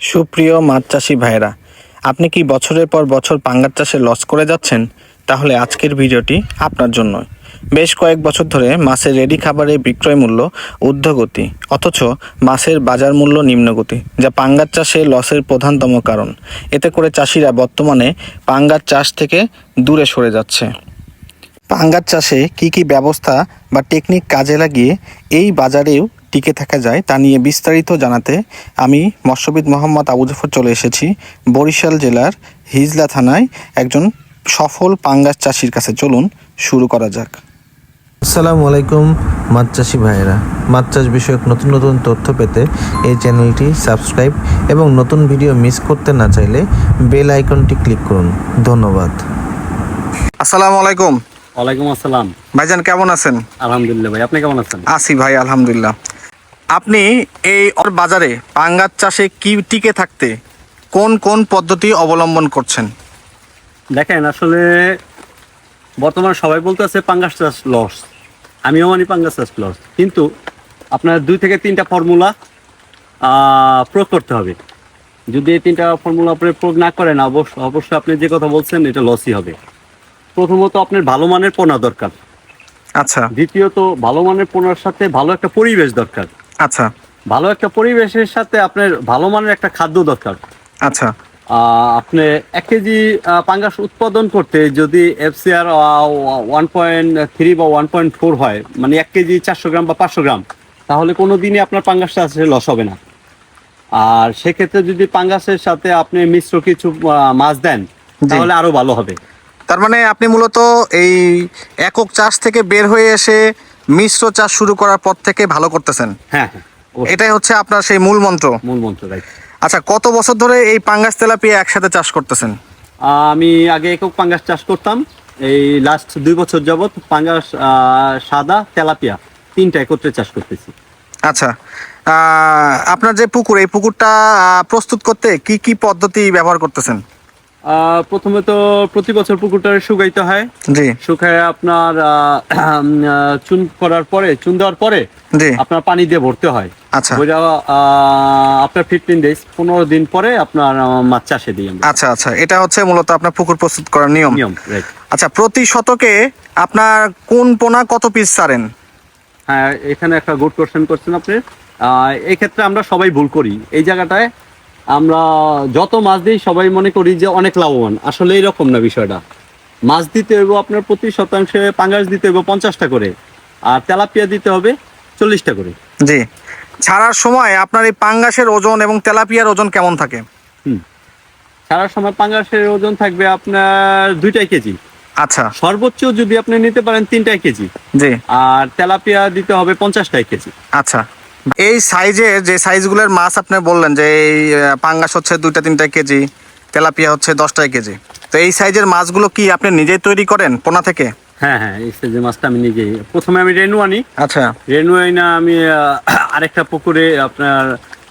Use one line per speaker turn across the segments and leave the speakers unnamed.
সুপ্রিয় মাছ চাষি ভাইরা, আপনি কি বছরের পর বছর পাঙ্গাস চাষে লস করে যাচ্ছেন? তাহলে আজকের ভিডিওটি আপনার জন্য। বেশ কয়েক বছর ধরে মাছের রেডি খাবারের বিক্রয় মূল্য ঊর্ধ্বগতি, অথচ মাছের বাজার মূল্য নিম্নগতি, যা পাঙ্গাস চাষে লসের প্রধানতম কারণ। এতে করে চাষিরা বর্তমানে পাঙ্গাস চাষ থেকে দূরে সরে যাচ্ছে। পাঙ্গাস চাষে কি ব্যবস্থা বা টেকনিক কাজে লাগিয়ে এই বাজারেও টিকে থাকা যায় তা নিয়ে বিস্তারিত জানাতে আমি মৎস্যবিদ মোহাম্মদ আবু জাফর চলে এসেছি বরিশাল জেলার হিজলা থানায় একজন সফল পাঙ্গাস চাষির কাছে। চলুন শুরু করা যাক।
আসসালামু আলাইকুম মাছ চাষি ভাইয়েরা, মাছ চাষ বিষয়ক নতুন নতুন তথ্য পেতে এই চ্যানেলটি সাবস্ক্রাইব এবং নতুন ভিডিও মিস করতে না চাইলে বেল আইকনটি ক্লিক করুন। ধন্যবাদ।
আসসালামু আলাইকুম।
ওয়ালাইকুম আসসালাম।
ভাইজান কেমন আছেন?
আলহামদুলিল্লাহ ভাই, আপনি কেমন আছেন?
আছি ভাই, আলহামদুলিল্লাহ। আপনি এই বাজারে পাঙ্গাস চাষে কি টিকে থাকতে কোন কোন পদ্ধতি অবলম্বন করছেন?
দেখেন, আসলে বর্তমানে সবাই বলতেছে পাঙ্গাস চাষ লস, আমিও মানি পাঙ্গাস চাষ লস, কিন্তু আপনার 2 থেকে 3টা ফর্মুলা প্রয়োগ করতে হবে। যদি এই 3টা ফর্মুলা আপনি প্রয়োগ না করেন, অবশ্যই আপনি যে কথা বলছেন এটা লসই হবে। প্রথমত আপনার ভালো মানের পোনা দরকার।
আচ্ছা।
দ্বিতীয়ত ভালো মানের পোনার সাথে ভালো একটা পরিবেশ দরকার।
আচ্ছা।
ভালো একটা পরিবেশের সাথে আপনার ভালো মানের একটা খাদ্য দরকার।
আচ্ছা।
আপনি 1 কেজি পাঙ্গাস উৎপাদন করতে যদি এফসিআর 1.3 বা 1.4 হয়, মানে 1 কেজি 400 গ্রাম বা 500 গ্রাম, তাহলে কোনো দিনই আপনার পাঙ্গাস চাষে লস হবে না। আর সেক্ষেত্রে যদি পাঙ্গাসের সাথে আপনি মিশ্র কিছু মাছ দেন তাহলে আরো ভালো হবে।
তার মানে আপনি মূলত এই একক চাষ থেকে বের হয়ে এসে মিশ্র চাষ শুরু করার পর থেকে ভালো করতেছেন।
হ্যাঁ হ্যাঁ,
এটাই হচ্ছে আপনার সেই মূল মন্ত্র।
রাইট।
আচ্ছা, কত বছর ধরে এই পাঙ্গাস তেলাপিয়া একসাথে চাষ করতেছেন?
আমি আগে একক পাঙ্গাস চাষ করতাম, এই লাস্ট 2 বছর যাবত পাঙ্গাস, সাদা, তেলাপিয়া 3টা একত্রে চাষ করতেছি।
আচ্ছা, আপনার যে পুকুর, এই পুকুরটা প্রস্তুত করতে কি পদ্ধতি ব্যবহার করতেছেন?
প্রথমে তো প্রতি বছর পুকুরটা শুকাইতে হয়।
জি।
শুকায় আপনার চুন দেওয়ার পরে
জি।
আপনার পানি দিয়ে ভরতে হয়।
আচ্ছা।
আপনার 15 ডেজ 15 দিন পরে আপনার মাছ চাষে দিই আমরা।
আচ্ছা আচ্ছা, এটা হচ্ছে মূলত আপনার পুকুর প্রস্তুত করার নিয়ম।
রাইট।
আচ্ছা, প্রতি শতকে আপনার কোন পোনা কত পিস ছাড়েন?
হ্যাঁ, এখানে একটা গুড কোশ্চেন করছেন আপনি। এই ক্ষেত্রে আমরা সবাই ভুল করি। এই জায়গাটায় আমরা যত মাছ দিই সবাই মনে করি যে অনেক লাভবান, আসলে এরকম না বিষয়টা। মাছ দিতে হবে আপনার প্রতি শতাংশে পাঙ্গাস দিতে হবে 50টা করে, আর তেলাপিয়া দিতে হবে 40টা করে।
জি। ছাড়ার সময় আপনার এই পাঙ্গাসের ওজন এবং তেলাপিয়ার ওজন কেমন থাকে?
ছাড়ার সময় পাঙ্গাসের ওজন থাকবে আপনার 2 কেজি।
আচ্ছা।
সর্বোচ্চ যদি আপনি নিতে পারেন 3 কেজি।
জি।
আর তেলাপিয়া দিতে হবে 50 কেজি।
আচ্ছা, এই সাইজের যে সাইজগুলোর মাছ আপনি বললেন যে এই পাঙ্গাস হচ্ছে 2-3 কেজি, তেলাপিয়া হচ্ছে 10 কেজি, তো এই সাইজের মাছগুলো কি আপনি নিজেই তৈরি করেন পোনা থেকে?
হ্যাঁ হ্যাঁ, এই সাইজের মাছটা আমি নিজেই, প্রথমে আমি রেনু আনি।
আচ্ছা।
রেনু আইনা আমি আরেকটা পুকুরে আপনার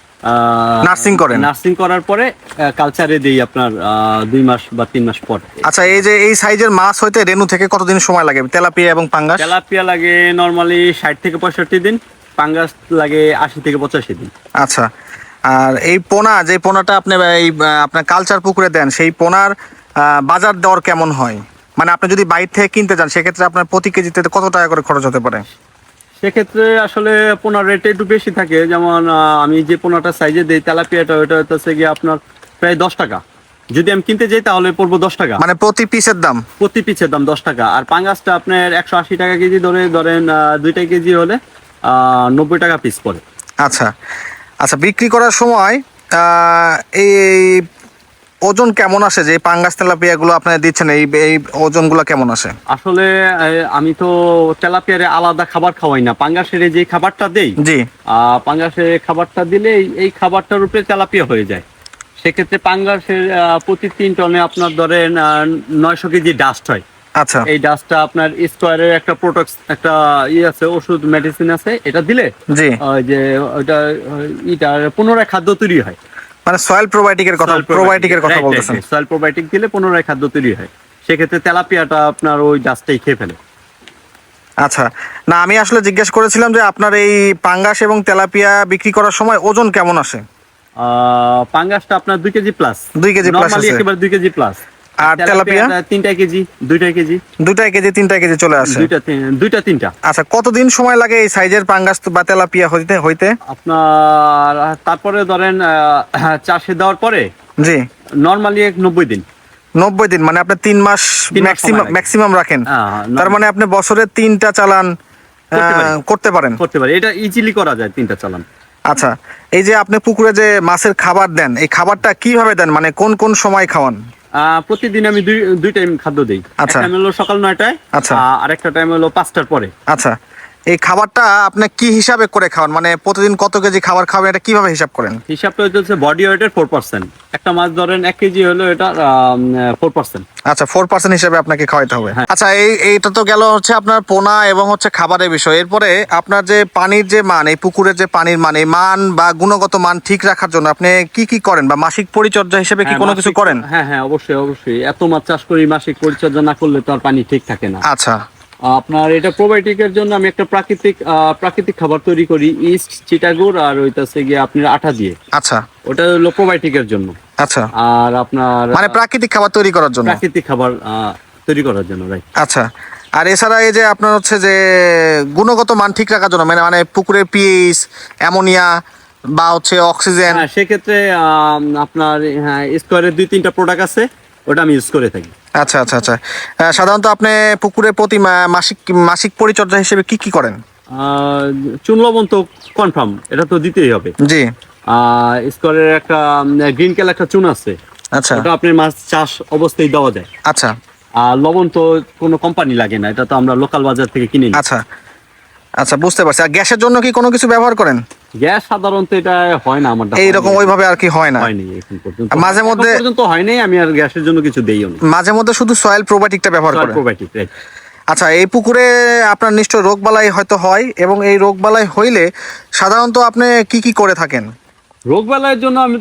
নার্সিং করার পরে কালচারে দিই আপনার 2 মাস বা 3 মাস পর।
আচ্ছা, এই যে এই সাইজের মাছ হইতে রেনু থেকে কতদিন সময় লাগে তেলাপিয়া এবং পাঙ্গাস?
তেলাপিয়া লাগে নরমালি 60 থেকে 65 দিন, পাঙ্গাস লাগে 80 থেকে 85 দিন।
আচ্ছা, আর এই পোনা, যে পোনাটা আপনি এই আপনার কালচার পুকুরে দেন, সেই পোনার বাজার দর কেমন হয়? মানে আপনি যদি বাইরে থেকে কিনতে চান সেক্ষেত্রে আপনার প্রতি কেজিতে কত টাকা করে খরচ হতে পারে?
সেক্ষেত্রে আসলে পোনার রেট একটু বেশি থাকে। যেমন আমি যে পোনাটা সাইজে দিই তেলাপিয়াটা, ওইটা হচ্ছে গিয়ে আপনার প্রায় 10 টাকা। যদি আমি কিনতে যাই তাহলে পড়বো 10 টাকা,
মানে প্রতি পিসের দাম?
প্রতি পিসের দাম 10 টাকা। আর পাঙ্গাসটা আপনার 180 টাকা কেজি ধরেন 2টা কেজি হলে 90 টাকা পিস পড়ে।
আচ্ছা আচ্ছা, বিক্রি করার সময় এই ওজন কেমন আসে? যে পাঙ্গাস তেলাপিয়াগুলো আপনারা দিচ্ছেন, এই ওজনগুলো কেমন আসে?
আসলে আমি তো তেলাপিয়ারে আলাদা খাবার খাওয়াই না, পাঙ্গাসের যে খাবারটা দেই।
জি।
পাঙ্গাসের খাবারটা দিলে এই খাবারটার উপরে তেলাপিয়া হয়ে যায়। সেক্ষেত্রে পাঙ্গাসের প্রতি 3 টনে আপনার ধরেন 900 কেজি ডাস্ট হয়।
আচ্ছা।
এই ডাস্টটা আপনার স্কোয়ারের একটা প্রোডাক্ট, একটা আছে, ওষুধ মেডিসিন আছে, এটা দিলে
জি,
যে ওইটা পুনরায় খাদ্য তৈরি হয়।
মানে সয়েল প্রোবায়োটিকের কথা বলতেছেন?
সয়েল প্রোবায়োটিক দিলে পুনরায় খাদ্য তৈরি হয়। সেক্ষেত্রে তেলাপিয়াটা আপনার ওই ডাস্টটাই খেয়ে ফেলে।
আচ্ছা, না আমি আসলে জিজ্ঞেস করেছিলাম যে আপনার এই পাঙ্গাস এবং তেলাপিয়া বিক্রি করার সময় ওজন কেমন আসে?
পাঙ্গাসটা আপনার 2 kg plus.
2 kg plus
normally
আছে।
একেবারে 2 কেজি প্লাস।
আর tilapia
3 kg, 2 kg,
2 kg 3 kg চলে আসে।
2টা 3টা।
আচ্ছা, কতদিন সময় লাগে এই সাইজের পাঙ্গাস বা তেলাপিয়া হইতে?
আপনার তারপরে ধরেন চাষে দেওয়ার পরে
জি,
নরমালি 90 দিন।
90 দিন, মানে আপনি 3 মাস
3 মাস সময় লাগে।
ম্যাক্সিমাম রাখেন।
হ্যাঁ,
তার মানে আপনি বছরে 3টা চালান করতে পারেন।
করতে পারি, এটা ইজিলি করা যায় 3টা চালান।
আচ্ছা, এই যে আপনি পুকুরে যে মাছের খাবার দেন, এই খাবারটা কিভাবে দেন, মানে কোন কোন সময় খাওয়ান?
প্রতিদিন আমি দুই টাইম খাদ্য দিই।
আচ্ছা।
একটা টাইম হলো সকাল 9টায়,
আচ্ছা।
আর একটা টাইম হলো 5টার পরে।
আচ্ছা, এই খাবারটা আপনি কি হিসাবে করে খাওয়ান, মানে প্রতিদিন কত কেজি খাবার খাবেন, এটা কিভাবে হিসাব করেন?
হিসাবটা হচ্ছে বডি ওয়েটের 4%। একটা মাছ ধরেন 1 কেজি হলো এটা 4%।
আচ্ছা, 4% হিসাবে আপনাকে খাওয়াইতে হবে।
হ্যাঁ।
আচ্ছা, এইটা তো গেল হচ্ছে আপনার পোনা এবং হচ্ছে খাবারের বিষয়। এরপরে আপনার যে পানির যে মান, এই পুকুরের যে পানির মান, এই মান বা গুণগত মান ঠিক রাখার জন্য আপনি কি করেন, বা মাসিক পরিচর্যা হিসেবে কি কোনো কিছু করেন?
হ্যাঁ, অবশ্যই। এত মাছ চাষ করি, মাসিক পরিচর্যা না করলে তো আর পানি ঠিক থাকে না।
আচ্ছা
আপনার এটা প্রোবায়োটিকের জন্য আমি একটা প্রাকৃতিক খাবার তৈরি করি, ইস্ট, চিটাগুড় আর ওইটাছে গিয়ে আপনার আটা দিয়ে।
আচ্ছা
ওটা হলো প্রোবায়োটিকের জন্য।
আচ্ছা,
আর আপনার
মানে প্রাকৃতিক খাবার তৈরি করার জন্য।
প্রাকৃতিক খাবার তৈরি করার জন্য, রাইট।
আচ্ছা, আর এছাড়া এই যে আপনার হচ্ছে যে গুণগত মান ঠিক রাখার জন্য, মানে পুকুরের পিএইচ, অ্যামোনিয়া বা হচ্ছে অক্সিজেন।
হ্যাঁ, সেক্ষেত্রে আপনার স্কোয়ারের 2-3টা প্রোডাক্ট আছে, ওটা আমি ইউজ করে থাকি।
আচ্ছা আচ্ছা আচ্ছা, সাধারণত আপনি পুকুরে প্রতি মাসিক পরিচর্যা হিসেবে কি করেন?
চুন লবণ তো কনফার্ম, এটা তো দিতেই হবে।
জি।
স্কোয়ারের একটা গ্রিন কালার একটা চুন আছে,
আচ্ছা
ওটা আপনার মাছ চাষ অবস্থায় দেওয়া যায়।
আচ্ছা
আর লবণ তো কোনো কোম্পানি লাগে না, এটা তো আমরা লোকাল বাজার থেকে কিনে নিই।
আচ্ছা আচ্ছা, বুঝতে পারছি। আর গ্যাসের জন্য কি কোনো কিছু ব্যবহার করেন?
গ্যাস সাধারণত এটা হয় না আমার,
এইরকম ওইভাবে আর কি হয় না?
হয়নি এখন পর্যন্ত।
মাঝে মধ্যে-
এখন পর্যন্ত হয়নি, আমি আর গ্যাসের জন্য কিছু দেইও না।
মাঝে মধ্যে শুধু সয়েল প্রোবায়োটিকটা ব্যবহার করেন?
Probiotic, right.
আচ্ছা, এই পুকুরে আপনার নিশ্চয় রোগবালাই হয়তো হয়, এবং এই রোগবালাই হইলে সাধারণত আপনি কি করে থাকেন?
রোগবালাইয়ের জন্য আমি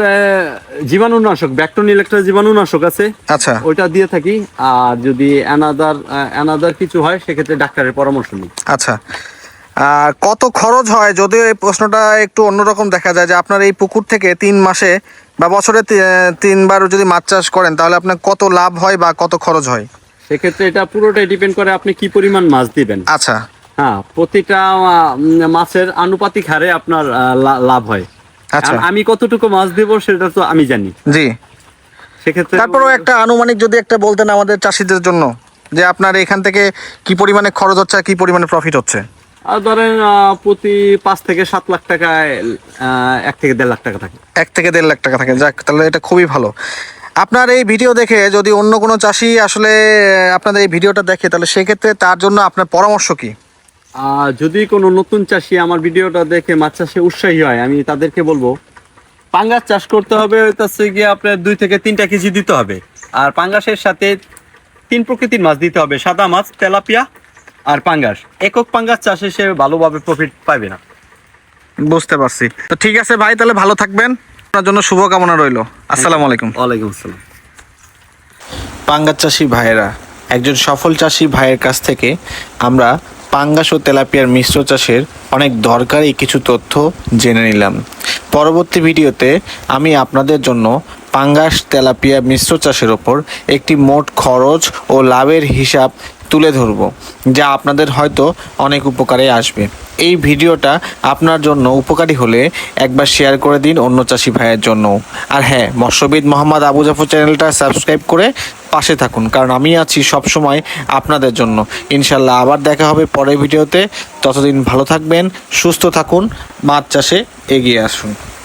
জীবাণুনাশক, ব্যাকটোনিল একটা জীবাণুনাশক আছে,
আচ্ছা
ওইটা দিয়ে থাকি। আর যদি অ্যানাদার কিছু হয়, সেক্ষেত্রে ডাক্তারের পরামর্শ নিই।
আচ্ছা, আর কত খরচ হয়? যদিও এই প্রশ্নটা একটু অন্যরকম দেখা যায়, যে আপনার এই পুকুর থেকে 3 মাসে বা বছরে 3বার যদি মাছ চাষ করেন, তাহলে আপনার কত লাভ হয় বা কত খরচ হয়?
সেক্ষেত্রে এটা পুরোটাই ডিপেন্ড করে আপনি কি পরিমাণ মাছ দিবেন।
আচ্ছা
হ্যাঁ, প্রতিটা মাছের আনুপাতিক হারে আপনার লাভ হয়।
আচ্ছা,
আর আমি কতটুকু মাছ দেব সেটা তো আমি জানি।
জি।
সেক্ষেত্রে
তারপরেও একটা আনুমানিক যদি একটা বলতেন আমাদের চাষিদের জন্য, যে আপনার এখান থেকে কি পরিমাণে খরচ হচ্ছে আর কি পরিমাণে প্রফিট হচ্ছে?
আর ধরেন প্রতি 5 থেকে 7 লাখ টাকায় 1 থেকে 1.5 লাখ টাকা থাকে।
1 থেকে 1.5 লাখ টাকা থাকে। যাক, তাহলে এটা খুবই ভালো। আপনার এই ভিডিও দেখে যদি অন্য কোনো চাষি আসলে আপনাদের এই ভিডিওটা দেখে, তাহলে সেক্ষেত্রে তার জন্য আপনার পরামর্শ কি?
যদি কোনো নতুন চাষি আমার ভিডিওটা দেখে মাছ চাষে উৎসাহী হয়, আমি তাদেরকে বলবো পাঙ্গাস চাষ করতে হবে। তাতে গিয়ে আপনার 2 থেকে 3টা কেজি দিতে হবে। আর পাঙ্গাসের সাথে 3 প্রকৃতির মাছ দিতে হবে, সাদা মাছ, তেলাপিয়া আর পাঙ্গাস। একক পাঙ্গাস চাষে সে ভালোভাবে প্রফিট পাবে না।
বুঝতে পারছি। তো ঠিক আছে ভাই, তাহলে ভালো থাকবেন। আপনার জন্য শুভকামনা রইল। আসসালামু আলাইকুম।
ওয়ালাইকুম আসসালাম।
পাঙ্গাস চাষি ভাইয়েরা, একজন সফল চাষি ভাইয়ের কাছ থেকে আমরা পাঙ্গাস ও তেলাপিয়ার মিশ্র চাষের অনেক দরকারি কিছু তথ্য জেনে নিলাম। পরবর্তী ভিডিওতে আমি আপনাদের জন্য পাঙ্গাস তেলাপিয়া মিশ্র চাষের ওপর একটি মোট খরচ ও লাভের হিসাব তুলে ধরব, যা আপনাদের হয়তো অনেক উপকারে আসবে। এই ভিডিওটা আপনার জন্য উপকারী হলে একবার শেয়ার করে দিন অন্য চাষি ভাইয়ের জন্য। আর হ্যাঁ, মৎস্যবিদ মোহাম্মদ আবু জাফর চ্যানেলটা সাবস্ক্রাইব করে পাশে থাকুন, কারণ আমি আছি সবসময় আপনাদের জন্য। ইনশাল্লাহ আবার দেখা হবে পরের ভিডিওতে। ততদিন ভালো থাকবেন, সুস্থ থাকুন, মাছ চাষে এগিয়ে আসুন।